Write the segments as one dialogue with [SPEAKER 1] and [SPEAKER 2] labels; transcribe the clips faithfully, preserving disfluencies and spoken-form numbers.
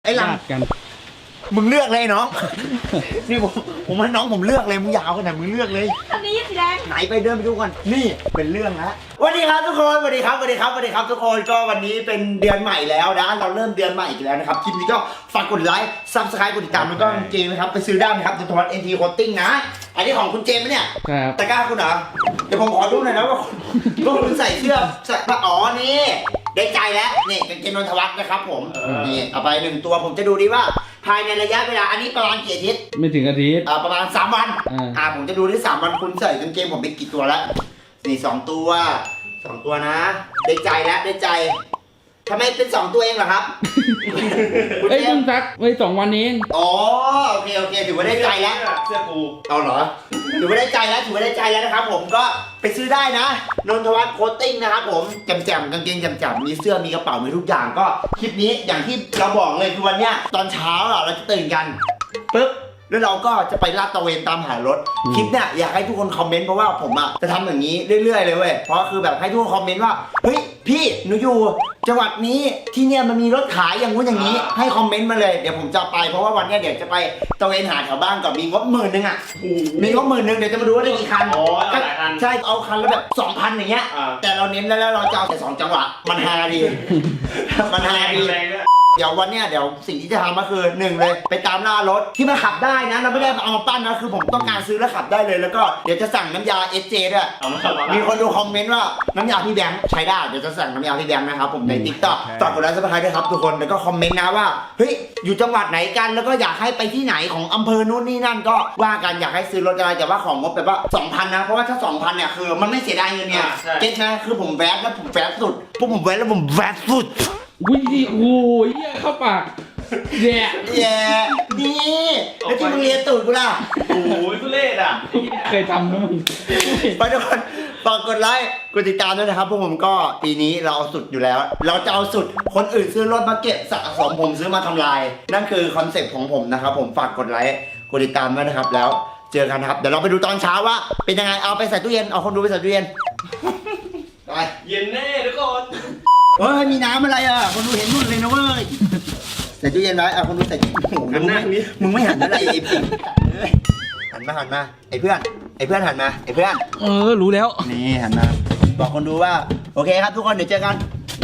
[SPEAKER 1] ไอ้หลังกันมึงเลือกเลยน้อง นี่ผมผมให้น้องผมเลือกเลยมึงอยากเอาขนาดมึงเลือกเลย
[SPEAKER 2] อันนี้สีแดง
[SPEAKER 1] ไหนไปเดินไปดูก่อนนี่เป็นเรื่องละสวัสดีครับทุกคนสวัสดีครับสวัสดีครับสวัสดีครับทุกคนก็วันนี้เป็นเดือนใหม่แล้วนะเราเริ่มเดือนใหม่อีกแล้วนะครับคลิปนี้ก็ฝากกดไลค์ซับสไครต์กดติดตามแล้วก็เกมนะครับไปซื้อได้นะครับในทวัตเอ็นทีโคตติ้งนะอันนี้ของคุณเจมส์เนี่ยตะกร้าคุณเหรอเดี๋ยวผมขอดูหน่อยนะว่าว่าคุณใส่เสื้อใส่อ๋อนี่ได้ใจแล้วนี่เป็นเกมนนทวัฒน์นะครับผมนี่เอาไปหนึ่งตัวผมจะดูดีว่าภายในระยะเวลาอันนี้ประมาณกี่อาทิตย์
[SPEAKER 3] ไม่ถึงอาทิตย์
[SPEAKER 1] อ่าประมาณสามวันอ่าผมจะดูที่สามวันคุณใส่กางเกงผมไปกี่ตัวแล้วนี่สองตัวสองตัวนะได้ใจแล้วได้ใจทำไมเป็นสองตัวเองเหรอครับ
[SPEAKER 3] เอ้ยเพิ่งซักไว้สองวันเอง
[SPEAKER 1] อ๋อโอเคโอเคถือว่าได้ใจแล้ว
[SPEAKER 4] เสื้อกู
[SPEAKER 1] เอาเหรอถือว่าได้ใจแล้วถือว่าได้ใจแล้วนะครับผมก็ไปซื้อได้นะนนทวัฒน์โคตติ้งนะครับผมแจ่มๆกางเกงแจ่มๆมีเสื้อมีกระเป๋ามีทุกอย่างก็คลิปนี้อย่างที่เราบอกเลยคือวันเนี้ยตอนเช้าเราจะตื่นกันปึ๊บแล้วเราก็จะไปลาดตระเวนตามหารถคลิปเนี่ยอยากให้ทุกคนคอมเมนต์เพราะว่าผมอ่ะจะทำอย่างนี้เรื่อยๆเลยเว้ยเพราะคือแบบให้ทุกคนคอมเมนต์ว่าเฮ้ยพี่หนูอยู่จังหวัดนี้ที่เนี่ยมันมีรถขายอย่างงู้นอย่างนี้ให้คอมเมนต์มาเลยเดี๋ยวผมจะไปเพราะว่าวันนี้เดี๋ยวจะไปตระเวนหาแถวบ้านก่อนมีงบหมื่นนึงอ่ะมีงบหมื่นนึงเดี๋ยวจะมาดูว่าได้กี่คัน
[SPEAKER 4] อ๋อหลายคัน
[SPEAKER 1] ใช่เอาคันละแบบสองพันอย่างเงี้ยแต่เราเน้นแล้วเราจะเอาแต่สองจังหวะมันฮาดีมันฮาดีเดี๋ยววันเนี้ยเดี๋ยวสิ่งที่จะทำก็คือหนึ่งเลยไปตามล่ารถที่มันขับได้นะเราไม่ได้เอามาปั้นนะคือผมต้องการซื้อแล้วขับได้เลยแล้วก็เดี๋ยวจะสั่งน้ำยา เอส เจ ด้วยมีคนดูคอมเมนต์ว่าน้ำยาพี่แบงค์ใช้ได้เดี๋ยวจะสั่งน้ำยาพี่แบงค์นะครับผมใน ติ๊กต็อก ฝากกดไลค์ซับสไครต์ด้วยครับทุกคนแล้วก็คอมเมนต์นะว่าเฮ้ยอยู่จังหวัดไหนกันแล้วก็อยากให้ไปที่ไหนของอำเภอนู้นนี่นั่นก็ว่ากันอยากให้ซื้อรถอะไรแต่ว่าของงบแบบว่า สองพัน นะเพราะว่าถ้า สองพัน เนี่ยคือมันไม่เสียดายเงินเนี่ยเก็ตนะคือผมแวะแล้วผมแวะสุดพวกผมแวะแล้วผมแวะสุด
[SPEAKER 3] วิ่งดิโอ้ยเหี้ยเข้าปากแย่
[SPEAKER 1] แย่ดีแล้วที่มึงเรียนตูดกูล่ะ
[SPEAKER 4] โอ้ยทุเรศอ่ะ
[SPEAKER 3] เคยทำนะมึง
[SPEAKER 1] ไปทุกคนฝากกดไลค์กดติดตามด้วยนะครับพวกผมก็ปีนี้เราเอาสุดอยู่แล้วเราจะเอาสุดคนอื่นซื้อรถมาเก็บสะสมผมซื้อมาทำลายนั่นคือคอนเซ็ปต์ของผมนะครับผมฝากกดไลค์กดติดตามด้วยนะครับแล้วเจอกันครับเดี๋ยวเราไปดูตอนเช้าว่าเป็นยังไงเอาไปใส่ตู้เย็นเอาคนดูไปใส่ตู้เย็นไป
[SPEAKER 4] เย็นแน่ทุกคน
[SPEAKER 1] เฮ้ยมีน้ำอะไรอ่ะคนดูเห็นนู่นเลยนะเว้ยใส่ตู้เย็นไว้อ่ะคนดูใส่ตู้โอ้โหมึงไม่มึงไม่หันอะไรไอ้พี่หันมาหันมาไอ้เพื่อนไอ้เพื่อนหันมาไอ้เพื่อน
[SPEAKER 3] เออรู้แล้ว
[SPEAKER 1] นี่หันมาบอกคนดูว่าโอเคครับทุกคนเดี๋ยวเจอกัน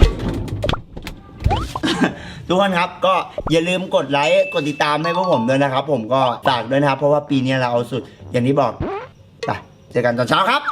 [SPEAKER 1] ทุกคนครับก็อย่าลืมกดไลค์กดติดตามให้พวกผมด้วยนะครับผมก็ฝากด้วยนะครับเพราะว่าปีนี้เราเอาสุดอย่างที่บอกไปเจอกันตอนเช้าครับ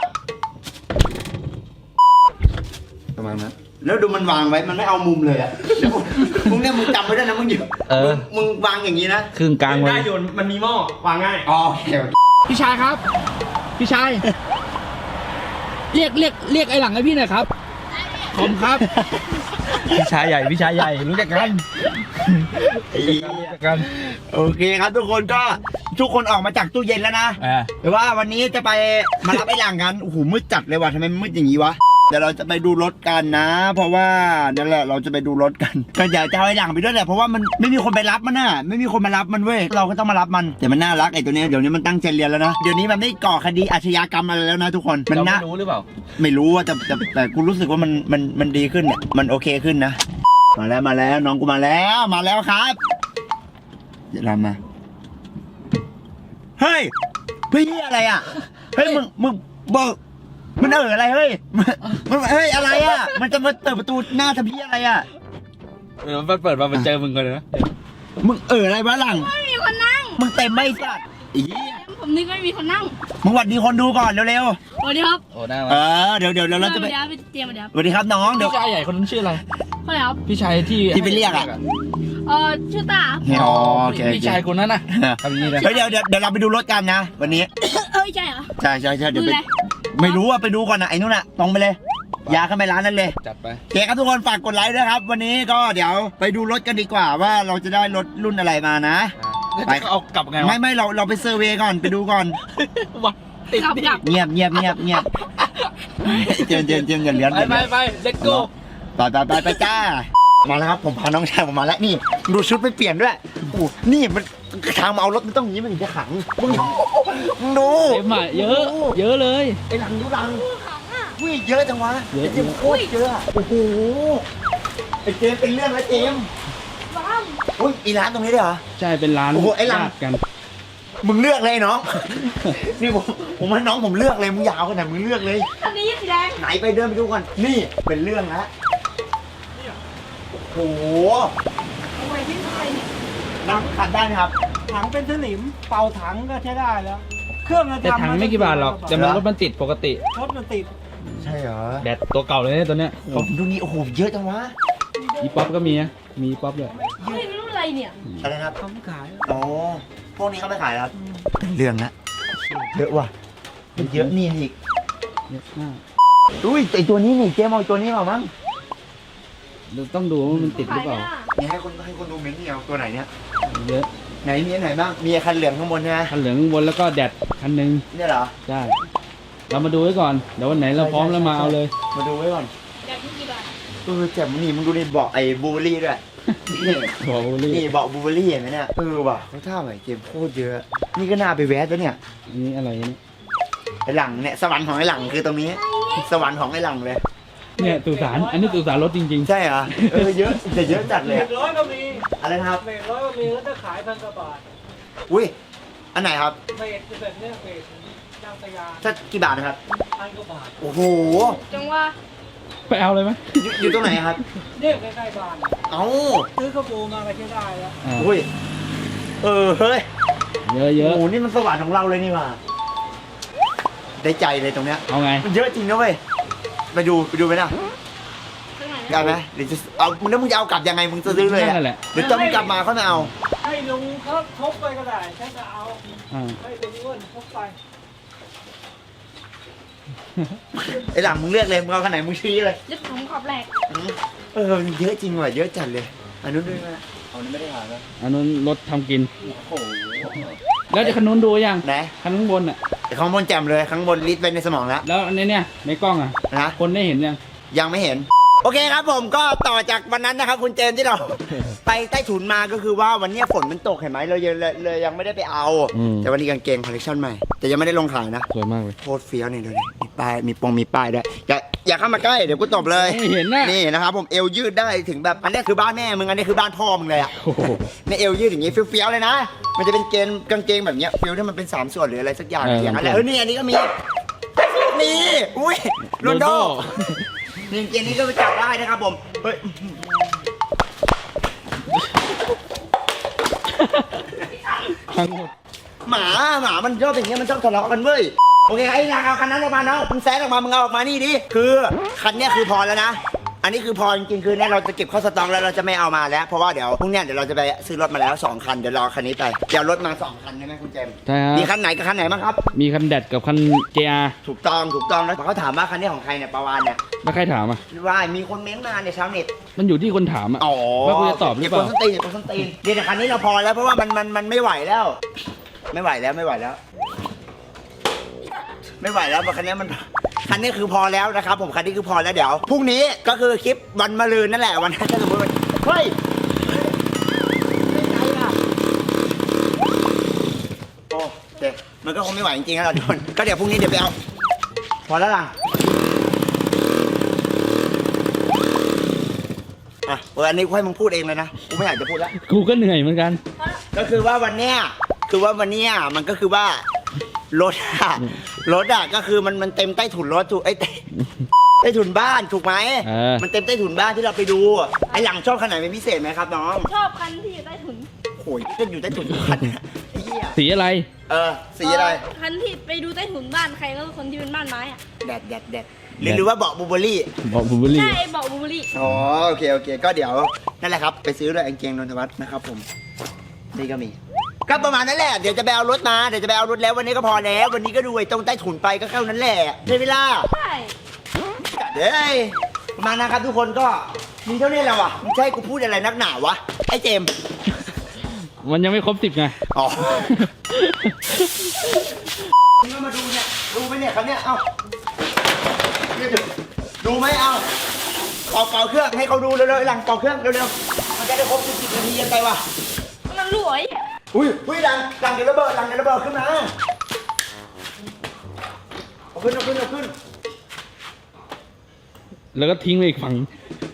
[SPEAKER 1] ประมาณนั้นแล้วดูมันวางไว้มันไม่เอามุมเลยอะมึงเนี่ยมึงจำไว้ด้วยนะมึงอยู่มึงวางอย่างนี้นะ
[SPEAKER 3] ครึ่งกลาง
[SPEAKER 4] ได้โยนมันมีหม้อวางง่าย
[SPEAKER 1] อ๋อ
[SPEAKER 3] พี่ชายครับพี่ชายเรียกเรียกเรียกไอ้หลังให้พี่หน่อยครับผมครับพี่ชายใหญ่พี่ชายใหญ่รู้จักกันรู้จักกัน
[SPEAKER 1] โอเคครับทุกคนก็ทุกคนออกมาจากตู้เย็นแล้วนะแต่ว่าวันนี้จะไปมารับไอ้หลังกันโอ้โหมืดจัดเลยว่ะทำไมมืดอย่างนี้วะเดี๋ยวเราจะไปดูรถกันนะเพราะว่านั่นแหละเราจะไปดูรถกันก็อยากจะเอาไอ้หลังไปด้วยแหละเพราะว่ามันไม่มีคนไปรับมันน่ะไม่มีคนมารับมันเว้ยเราก็ต้องมารับมันแต่มันน่ารักไอ้ตัวนี้เดี๋ยวนี้มันตั้งใจเรียนแล้วนะเดี๋ยวนี้มันไม่ก่อคดีอาชญากรรมอะไรแล้วนะทุกคน
[SPEAKER 3] มันน่ารู้หรือเปล่า
[SPEAKER 1] ไม่รู้ว่าแต่แต่แต่กูรู้สึกว่ามันมันมันดีขึ้นเนี่ยมันโอเคขึ้นนะมาแล้วมาแล้วน้องกูมาแล้วมาแล้วครับเดี๋ยวเรามาเฮ้ยพี่อะไรอ่ะเฮ้ยมึงมึงบอกมันเอออะไรเฮ้ยมันเฮ้ยอะไรอ่ะมันจะมาเปิดประตูหน้าทำพี่อะไรอ่ะ
[SPEAKER 3] เออมันเปิดมามันเจอมึงก่อนเลยนะ
[SPEAKER 1] มึงเอออะไรวะหลัง
[SPEAKER 2] ไม่มีคนนั่ง
[SPEAKER 1] มึงเต็มไม่สัตว์อี
[SPEAKER 2] ผมนึกไม่มีคนนั่ง
[SPEAKER 1] มึงหวัดดีคนดูก่อนเร็ว
[SPEAKER 2] ๆสวัสดีครับ
[SPEAKER 3] โอ้ได้
[SPEAKER 1] เออเดี๋ยวเดี๋ยวเราจะไป
[SPEAKER 2] เตรียมมาเดี๋ยว
[SPEAKER 1] สวัสดีครับน้องเดี๋ยว
[SPEAKER 3] พี่ชายใหญ่คนนั้นชื่ออะไร
[SPEAKER 2] คนไหนครับ
[SPEAKER 3] พี่ชายที่
[SPEAKER 1] ที่ไปเรียกอ่ะ
[SPEAKER 2] เออชื่อตา
[SPEAKER 1] อ๋อโอเค
[SPEAKER 3] พี่ชายคนนั้นน่ะทำนี้เลย
[SPEAKER 1] เดี๋ยวเดี๋ยวเดี๋ยวเราไปดูรถกันนะวันนี้
[SPEAKER 2] เอ้ยใช่เหรอ
[SPEAKER 1] ใช่ใช่ใช่เดี๋ยวไปไม่รู้ว่าไปดูก่อนนะไอ้นู่นน่ะตรงไปเลยยาเข้าไปร้านนั้นเลย
[SPEAKER 3] จัดไป
[SPEAKER 1] โอเคครับทุกคนฝากกดไลค์ด้วยครับวันนี้ก็เดี๋ยวไปดูรถกันดีกว่าว่าเราจะได้รถรุ่นอะไรมานะ
[SPEAKER 3] ไปเอากลับไง
[SPEAKER 1] ไม่ไม่เราเราไปเซอร์เวย์ก่อนไปดูก่อน
[SPEAKER 2] กลับกลับ
[SPEAKER 1] เงียบเงียบเงียบเงียบเจียมเจียมเจียมเงินเลี้ยง
[SPEAKER 3] ไปไปไปเล็กโก้
[SPEAKER 1] ไปไปไปไปจ้ามาแล้วครับผมพาน้องชายผมมาแล้วนี่ดูชุดไปเปลี่ยนด้วยโอ้นี่มันทางมาเอารถมันต้องอย่างนี้มันถึงจะขังมึงมึงดู
[SPEAKER 3] เต็มอ่ะเยอะเยอะเลย
[SPEAKER 1] ไอ้หลังดูหลังวิ่งเยอะจังวะเยอะโคตรเยอะโอ้โหไอ้เจมเป็นเรื่องแล้วเจมอุ้ยอีร้านตรงนี้ด้วยเหรอ
[SPEAKER 3] ใช่เป็นร้าน
[SPEAKER 1] โอ้โหไอ้หลัง
[SPEAKER 3] ญาติกัน
[SPEAKER 1] มึงเลือกเลยน้อง นี่ผมผมให้น้องผมเลือกเลยมึงอยาวขนาดมึงเลือกเลย
[SPEAKER 2] คันนี้สีแดง
[SPEAKER 1] ไหนไปเดินไปดูก่อนนี่เป็นเรื่องแล้วโอ้โห
[SPEAKER 2] โอ้ยพี่อะไรเนี่ย
[SPEAKER 1] น้ำขัดได้ไหมครับ
[SPEAKER 5] ถังเป็นสนิมเป่าถังก็ใช้ได้แล้ว เครื่องจะ
[SPEAKER 3] แต่
[SPEAKER 5] ทำ
[SPEAKER 3] ถังไม่กี่บาทหรอกแต่มันรถมันติดปกติ
[SPEAKER 5] รถมันติด
[SPEAKER 1] ใช่เหรอ
[SPEAKER 3] แบตตัวเก่าเลยเนี่ยตัวเนี้ย
[SPEAKER 1] ผมดูนี่โอ้โหเยอะจังวะ
[SPEAKER 3] อีป๊อปก็มีนะมีป๊อปด้วย
[SPEAKER 2] เฮ้ยไม่รู้อะไรเนี่ย
[SPEAKER 1] อะไรครับ
[SPEAKER 5] เขาไม่ขาย
[SPEAKER 1] อ๋อพวกนี้เขาไม่ขายครับเป็นเรื่องละเยอะว่ะมันเยอะนี่อีก
[SPEAKER 3] เยอะมาก
[SPEAKER 1] อุ้ยไอตัวนี้นี่เจ๊มเอาไอ้ตัวนี้มามั้ง
[SPEAKER 3] เราต้องดูว่ามันติดหรือเปล่า
[SPEAKER 1] นี่ให้คนให้คนดูเม้นต์นี่เอาตัวไหนเนี่ย
[SPEAKER 3] เยอะ
[SPEAKER 1] ไหนมีอันไหนบ้างมีคันเหลืองข้างบนใช่ไหม
[SPEAKER 3] คันเหลืองข้างบนแล้วก็แดดคันหนึง
[SPEAKER 1] เนี่ยเหรอ
[SPEAKER 3] ใช่เรามาดูไว้ก่อนเดี๋ยววันไหนเราพร้อมแล้วมาเอาเลย
[SPEAKER 1] มาดูไว้ก่อน
[SPEAKER 2] อยากกินกี่บาท
[SPEAKER 1] เออแจ่มนี่มึงดูนี่เบาะไอ้บูเบอรี่ด้วยนี่
[SPEAKER 3] บอกบุรี
[SPEAKER 1] นี่เบาะบูเบอรี่เห็นไหมเนี่ยเออว่ะเขาท่าใหม่เกมโคตรเยอะ นี่ก็น่าไปแวะแล้วเนี่ย
[SPEAKER 3] อันนี้อะไรเนี่ย
[SPEAKER 1] ไอ้หลังเนี่ยสวรรค์ของไอ้หลังคือตรงนี้ สวรรค์ของไอ้หลังเลย
[SPEAKER 3] เนี่ยตุสารอันนี้ตุสารรถจริง
[SPEAKER 1] ใช่เหรอเออเยอะแต่เยอะจัดเลย
[SPEAKER 5] เม
[SPEAKER 1] อะ
[SPEAKER 5] ตรร้อยก็มี
[SPEAKER 1] อะไรนะครับ
[SPEAKER 5] เมตรร้อยก็มีแล้วถ้าขายพันกว่าบาท
[SPEAKER 1] อุ้ยอันไหนครับ
[SPEAKER 5] เมตรจะแบบเนี้ยเมตรจ้างตะยาน
[SPEAKER 1] ถ้ากี่บาทนะครับ
[SPEAKER 5] พันกว่าบาท
[SPEAKER 1] โอ้โห
[SPEAKER 2] จังว่า
[SPEAKER 3] ๆ ไปเอาเลยไหม
[SPEAKER 1] อยู่อยู่ตรงไหนครับ
[SPEAKER 5] เนี่ยใกล้ๆบ้าน
[SPEAKER 1] เอ้า
[SPEAKER 5] ซื้อข้าวปูมาก็ใช้ได้แล้ว
[SPEAKER 3] อ่า
[SPEAKER 1] อุ้ยเออเฮ้ย
[SPEAKER 3] เยอะเยอะ
[SPEAKER 1] โอ้โหนี่มันสวรรค์ของเราเลยนี่หว่าได้ใจเลยตรงเนี้ย
[SPEAKER 3] เอาไง
[SPEAKER 1] มันเยอะจริงนะเว้ยไปดูไปดูไหมนะ
[SPEAKER 2] ข้างไหน
[SPEAKER 1] ได้ไหมเดี๋ยวจะเอามึงแล้วมึงจะเอากลับยังไงมึงจะซื้อเลยอะ
[SPEAKER 3] นั่นแหละ
[SPEAKER 1] เดี๋ยวจะมึงกลับมาเขาไม่เอา
[SPEAKER 5] ให้ลุงเขาทบไปก็ได้ฉันจะเอา
[SPEAKER 3] อ่า
[SPEAKER 5] ให้เป็นอ้วนทบไป
[SPEAKER 1] ไอ้หลังมึงเลือกเลยมึงเอาขนาดไหนมึงชี้เลย
[SPEAKER 2] ยึดผมขอบแหลก
[SPEAKER 1] เออมันเยอะจริงว่ะเยอะจัดเลยอันนู้นด้วยไหมเอานี้ไม่ได้หาแล้ว
[SPEAKER 3] อันนู้นรถทำกิน
[SPEAKER 1] โอ้โห
[SPEAKER 3] แล้วจะคันนู้นดูยัง
[SPEAKER 1] ไหน
[SPEAKER 3] คันข้างบนอ่ะ
[SPEAKER 1] ข้างบนแจ่มเลยข้างบนลิสต์ไปในสมองแล้ว
[SPEAKER 3] แล้วอันนี้เนี่ยในกล้องอ่ะ
[SPEAKER 1] นะ
[SPEAKER 3] คนได้เห็นยัง
[SPEAKER 1] ยังไม่เห็น โอเคครับผมก็ต่อจากวันนั้นนะครับคุณเจนที่เรา ไปใต้ถุนมาก็คือว่าวันเนี้ยฝนมันตกเห็นไหมเรายังเลยเลยยังไม่ได้ไปเอา
[SPEAKER 3] อืม
[SPEAKER 1] แต่วันนี้กางเกงคอลเลคชันใหม่แต่ยังไม่ได้ลงขายนะ
[SPEAKER 3] สวยมากเลย
[SPEAKER 1] โคตรเฟี้ยวนี่ดูดิมีป้ายมีปงมีป้ายด้วยอย่าอย่าเข้ามาใกล้เดี๋ยวกูตบเลย
[SPEAKER 3] ไม่เห็นนะ
[SPEAKER 1] นี่นะครับผมเอวยืดได้ถึงแบบอันนี้คือบ้านแม่มึงอันนี้คือบ้านพ่อมึงเลยอะ
[SPEAKER 3] โอ้โห
[SPEAKER 1] ในเอวยืดอย่างงี้เฟี้ยวๆเลยนะ มันจะเป็นเกณฑ์กางเกงแบบเนี้ยฟิลที่มันเป็นสามส่วนหรืออะไรสักอย่าง
[SPEAKER 3] เออ
[SPEAKER 1] อย่างนั้นแหละเออนี่อันนี้ก็มีนี่อุ้ยโรนลโดนี่เกณฑ์นี้ก็ไปจับได้นะครับผมเฮ้ย
[SPEAKER 3] ทั้งหมด
[SPEAKER 1] หมาหมามันชอบอย่างเงี้ยมันชอบทะเลาะกันเว้ยโอเคไอ้นางเอาคันนั้นออกมาเนาะมึงแซงออกมามึงเอาออกมานี่ดิคือคันเนี้ยคือพอแล้วนะ อันนี้คือพอจริงๆคือเนี่ยเราจะเก็บเข้าสต็อกแล้วเราจะไม่เอามาแล้วเพราะว่าเดี๋ยวพรุ่งเนี้ยเดี๋ยวเราจะไปซื้อรถมาแล้วสองคันเดี๋ยวรอคันนี้ไปเดี๋ยวรถมาสองคันใช่ไหมคุณเจมส์
[SPEAKER 3] ใช่ฮะ
[SPEAKER 1] มีคันไหนกับคันไหนบ้างครับ
[SPEAKER 3] มีคันแดดกับคัน เจ อาร์
[SPEAKER 1] ถูกต้องถูกต้องแล้วเขาถามว่าคันนี้ของใครเนี่ยประวานเนี่ย
[SPEAKER 3] แล้วใครถามอ่ะ
[SPEAKER 1] ว่ามีคนเม้นต์มาในชาวเน็ต
[SPEAKER 3] มันอยู่ที่คนถามอ่ะ
[SPEAKER 1] อ๋อ
[SPEAKER 3] ว่ากูจะตอบหรือเปล่า
[SPEAKER 1] ก็บคนส้นตีนเก็บคนส้นตีนเดี๋ยวแต่คันนี้เราพอแล้วเพราะว่ามันมันมันไม่ไหวแล้ว ไม่ไหวแล้วไม่ไหวแล้ว ไม่ไหวแล้วคันนี้มันคันนี้คือพอแล้วนะครับผมคันนี้คือพอแล้วเดี๋ยวพรุ่งนี้ก็คือคลิปวันมะรืนนั่นแหละวันนั้นถ้าสมมติว่าเฮ้ยไม่ใจอ่ะโอ้เด็กมันก็คงไม่ไหวจริงๆแล้วทุกคนก็เดี๋ยวพรุ่งนี้เดี๋ยวไปเอาพอแล้วล่ะอ่ะเอออันนี้ให้มึงพูดเองเลยนะกูไม่อยากจะพูดแล้ว
[SPEAKER 3] กูก็เหนื่อยเหมือนกัน
[SPEAKER 1] ก็คือว่าวันเนี้ยคือว่าวันเนี้ยมันก็คือว่ารถอะรถอะก็คือมันมันเต็มใต้ถุนรถถูกไอ้ยใต้ใต้ถุนบ้านถูกไหม
[SPEAKER 3] เออ
[SPEAKER 1] มันเต็มใต้ถุนบ้านที่เราไปดูไอ้หลังชอบขนาดเป็นพิเศษไหมครับน้อง
[SPEAKER 2] ชอบคันที่อยู่ใต้ถุน
[SPEAKER 1] โอ้ยก็อยู่ใต้ถุนทุกคันอะไอ้เหี้ย
[SPEAKER 3] สีอะไร
[SPEAKER 1] เออสีอะไร
[SPEAKER 2] เคันที่ไปดูใต้ถุนบ้านใครก็คนที่เป็นบ้านไม้อะ
[SPEAKER 1] แดดแดดแดดหรือหรือว่าเบาะบูเบอรี่
[SPEAKER 3] บอกบูเบอรี่
[SPEAKER 2] ใช่ไอ้เบาะบูเบอรี่
[SPEAKER 1] อ๋อโอเคโอเคก็เดี๋ยวนั่นแหละครับไปซื้อด้วยกางเกงนนทวัฒน์นะครับผมนี่ก็มีก็ประมาณนั้นแหละเดี๋ยวจะไปเอารถมาเดี๋ยวจะไปเอารถแล้ววันนี้ก็พอแล้ววันนี้ก็ดูไอ้ตรงใต้ถุนไปก็แค่นั้นแหละได้เวลา
[SPEAKER 2] ใช่
[SPEAKER 1] เด้ยประมาณนะครับทุกคนก็มีเท่านี้แหละวะมึงจะให้กูพูดอะไรนักหนาวะไอ้เจมส์
[SPEAKER 3] มันยังไม่ครบสิบไง
[SPEAKER 1] อ๋อมึงก็มาดูเนี่ยดูไหมเนี่ยคันเนี้ยเอ้าดูไหมเอ้าเป่าเป่าเครื่องให้เขาดูเร็วๆหลังเป่าเครื่องเร็วๆมันจะได้ครบสิบนาทีกันไปวะ
[SPEAKER 2] มันรวย
[SPEAKER 1] อุ้ยอุ้ยหลังหลังเดี๋ยวระเบิดหลังเดี๋ยวระเบิดขึ้นมาเอาขึ้นเอาขึ้นเอาขึ้น
[SPEAKER 3] แล้วก็ทิ้งไปอีกฝั่ง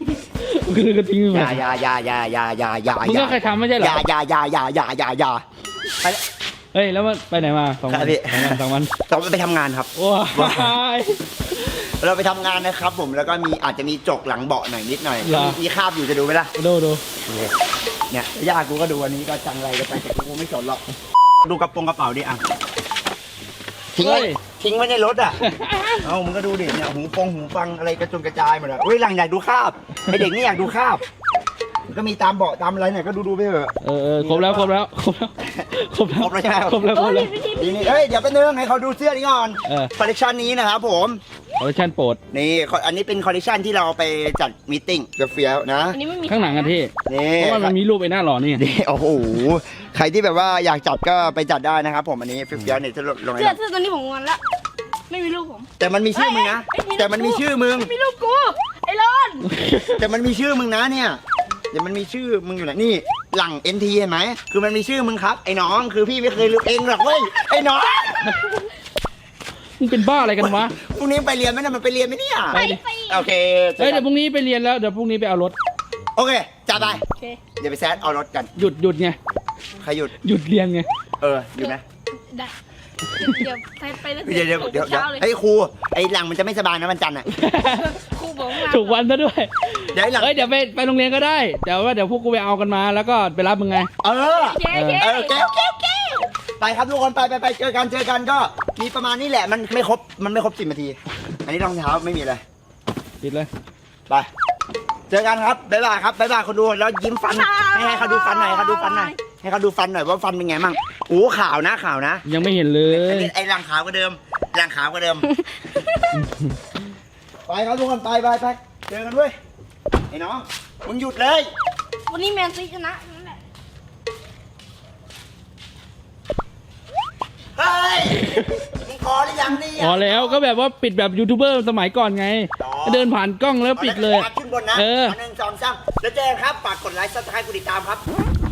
[SPEAKER 3] คือก็ทิ้งไป
[SPEAKER 1] อย่าอย่าอย่าอย่าอย่าอย่าอย่า
[SPEAKER 3] มึงก็เคยทำไม่ใช่เหร
[SPEAKER 1] อย่า
[SPEAKER 3] อ
[SPEAKER 1] อย่าอย่าอย่าอย่าอย่าอย่าไป
[SPEAKER 3] เฮ้ยแล้วมันไปไหนมาสอง
[SPEAKER 1] ครั
[SPEAKER 3] วั
[SPEAKER 1] บ
[SPEAKER 3] น
[SPEAKER 1] พี่
[SPEAKER 3] สองวันสองวัน
[SPEAKER 1] เราไปทำงานครับ
[SPEAKER 3] ว้าย
[SPEAKER 1] เราไปทำงานนะครับผมแล้วก็มีอาจจะมีจกหลังเบาะหน่อยนิดหน่อย
[SPEAKER 3] เหรอ
[SPEAKER 1] มีคราบอยู่จะดูไหมล่ะ
[SPEAKER 3] ดูดู
[SPEAKER 1] เนี่ยย่ากูก็ดูอันนี้ก็จังไรกันไปแต่กูไม่สนหรอกดูกระโปรงกระเป๋าดิอ่ะทิ้งไว้ทิ้งไว้ในรถอ่ะ เอามึงก็ดูดิเนี่ยหูฟงหูฟังอะไรกระจุนกระจายหมดเลยเฮ้ยหลังอยากดูคราบไอเด็กนี่อยากดูคราบมันก็มีตามเบาะตามอะไรเนี่ยก็ดูดูไปเถอะ
[SPEAKER 3] เออเออครบแล้วครบแล้วครบแล้วครบแล้ว
[SPEAKER 1] ครบแล้วใช่ไหม
[SPEAKER 3] ครบแล้วครบแล้ว
[SPEAKER 1] นี่นี่เอ้ยเดี๋ยวไปบนึงให้เขาดูเสื้อนี้ก่อน
[SPEAKER 3] เออ
[SPEAKER 1] คอลเลคชันนี้นะครับผม
[SPEAKER 3] คอลเลคชันโปรด
[SPEAKER 1] นี่อันนี้เป็นคอลเลคชันที่เราไปจัดมีตติ้งกับเฟียวนะ
[SPEAKER 2] อันนี้ไม่มี
[SPEAKER 3] ข้างหลังอะที่
[SPEAKER 1] นี่
[SPEAKER 3] เพราะว่ามันมีรูปไอ้หน้าหล่อนี่
[SPEAKER 1] นี่โอ้โหใครที่แบบว่าอยากจัดก็ไปจัดได้นะครับผมอันนี้เฟียวเนี่ยจะลง
[SPEAKER 2] เสื้อ
[SPEAKER 1] ให้
[SPEAKER 2] เสื้อตัวนี้ผมงอนละไม่มีรูปผม
[SPEAKER 1] แต่มันมีชื่อมึงนะ
[SPEAKER 2] เอ้ยเอ้ย
[SPEAKER 1] แต่มันมีชื่อมึง
[SPEAKER 2] ไม่มีรูปกูไอ้รอน
[SPEAKER 1] แต่มันมีชื่อมึงนะเนี่ยเดี๋ยวมันมีชื่อมึงอยู่ไหนนี่หลัง เอ็น ที เห็นไหมคือมันมีชื่อมึงครับไอ้น้องคือพี่ไม่เคยลืมเองหรอกเว้ยไอ้น้อง
[SPEAKER 3] มึงเป็นบ้าอะไรกันวะ
[SPEAKER 1] พรุ่งนี้ไปเรียนไหมนะมันไปเรียนไหมเนี่ย
[SPEAKER 3] ไปดิ
[SPEAKER 1] โอเค
[SPEAKER 3] เฮ้ยเดี๋ยวพรุ่งนี้ไปเรียนแล้วเดี๋ยวพรุ่งนี้ไปเอารถ
[SPEAKER 1] โอเคจัดไป
[SPEAKER 2] โอเค
[SPEAKER 1] เดี๋ยวไปแซดเอารถกัน
[SPEAKER 3] หยุดหยุดไง
[SPEAKER 1] ใครหยุด
[SPEAKER 3] หยุดเรียนไง
[SPEAKER 1] เออหยุดไหม
[SPEAKER 2] ได้เดี๋ยวไปไปตั้ง
[SPEAKER 1] เดี๋ยวเดี๋ยวเดี๋ยวเดี๋ยว
[SPEAKER 2] เช้าเลย
[SPEAKER 1] ไอ้ยครูไอ้หลังมันจะไม่สบายนะวันจันทร์อ่ะ
[SPEAKER 2] ครูบอกว่า
[SPEAKER 3] ถูกวันซะด้วย
[SPEAKER 1] เดี๋ยวไอ้หลัง
[SPEAKER 3] เฮ้ยเดี๋ยวไปไปโรงเรียนก็ได้เดี๋ยวว่าเดี๋ยวพวกกูไปเอากันมาแล้วก็ไปรับมึงไง
[SPEAKER 1] เออ
[SPEAKER 2] เจ๊เจ๊
[SPEAKER 1] เออโอเคโอเคโอเคไปครับทุกคนไปไปไปเจอกันเจอกันก็มีประมาณนี้แหละมันไม่ครบมันไม่ครบสิบนาที อันนี้รองเท้าไม่มีเลย
[SPEAKER 3] ปิดเลย
[SPEAKER 1] ไปเจอกันครับบ๊ายบายครับบ๊ายบายคนดูแล้วยิ้มฟันให้ให้เขาดูฟันหน่อยให้เขาดูฟันหน่อยให้เขาดูฟันหน่อยว่าฟันเป็นไงมั่งโอ้ขาวนะขาวนะ
[SPEAKER 3] ยังไม่เห็นเล
[SPEAKER 1] อัน
[SPEAKER 3] ย
[SPEAKER 1] นี้ไอ้รังขาวกว่าเดิมรังขาวกว่าเดิม ไปครับทุกคนไปไปไปเจอกันด้วยไอ้น้องมึงหยุดเลย
[SPEAKER 2] วันนี้แมนซีชนะนั่นแหละ
[SPEAKER 1] เฮ้ยมึงพอหรือยังนี่
[SPEAKER 3] พอแล้วก็แบบว่าปิดแบบยูทูบเบอร์สมัยก่อนไง เดินผ่านกล้องแล้วปิดเลย
[SPEAKER 1] ขึ้นบนนะ
[SPEAKER 3] เออ
[SPEAKER 1] หนึ่งสองสามแล้วเจอกันครับฝากกดไลค์ซับสไครต์กดติดตามครับ